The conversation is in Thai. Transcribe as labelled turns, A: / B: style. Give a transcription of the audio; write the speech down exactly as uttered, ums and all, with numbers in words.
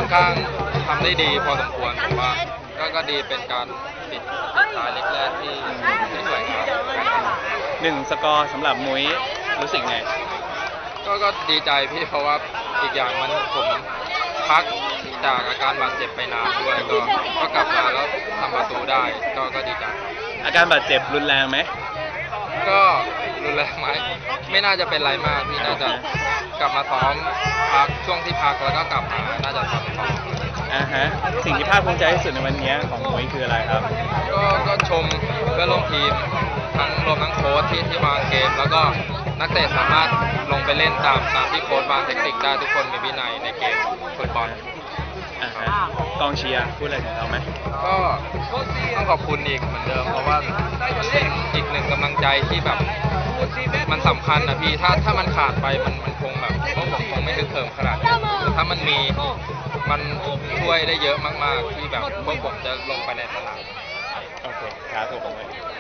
A: อนข้างทำได้ดีพอสมควรผมว่าก็ก็ดีเป็นการปิดท้ายเล็กแรกที่ที่สวยงาม
B: หนึ่งสกอร์สำหรับมุ้ยรู้สึกไง
A: ก็ก็ดีใจพี่เพราะว่าอีกอย่างมันผมพักจากอาการบาดเจ็บไปนานด้วยก็ก็กลับมาแล้วทำประตูได้ก็ก็ดีใจ
B: อาการบาดเจ็บรุนแรงไหม
A: ก็รุนแรงไหมไม่น่าจะเป็นไรมากพี่น่าจะกลับมาซ้อมพักช่วงที่พักแล้วก็กลับมาน่าจะทำต่อ
B: อ่าฮะสิ่งที่ภาคภูมิใจที่สุดในวันนี้ของมุ้ยคืออะไรครับ
A: ก็ก็ชมเพื่อนร่วมทีมทั้งรวมทั้งโค้ชที่ที่วางเกมแล้วก็นักเตะสามารถลงไปเล่นตามตามที่โค้ชวางเทคนิคได้ทุกคนมีวินัยในเกมฟุตบอล
B: อ่าฮะกองเชียร์พูดอะไรถึงเราไหม
A: ก็ต้องขอบคุณอีกเหมือนเดิมเพราะว่าเป็นอีกหนึ่งกำลังใจที่แบบมันสำคัญนะพี่ถ้าถ้ามันขาดไปมันมันคงแบบพวกผมคงไม่ถึงเถิมขนาดนี้ถ้ามันมีมันช่วยได้เยอะมากๆที่แบบพวกผมจะลงไปในสนาม
B: โอเคครับผม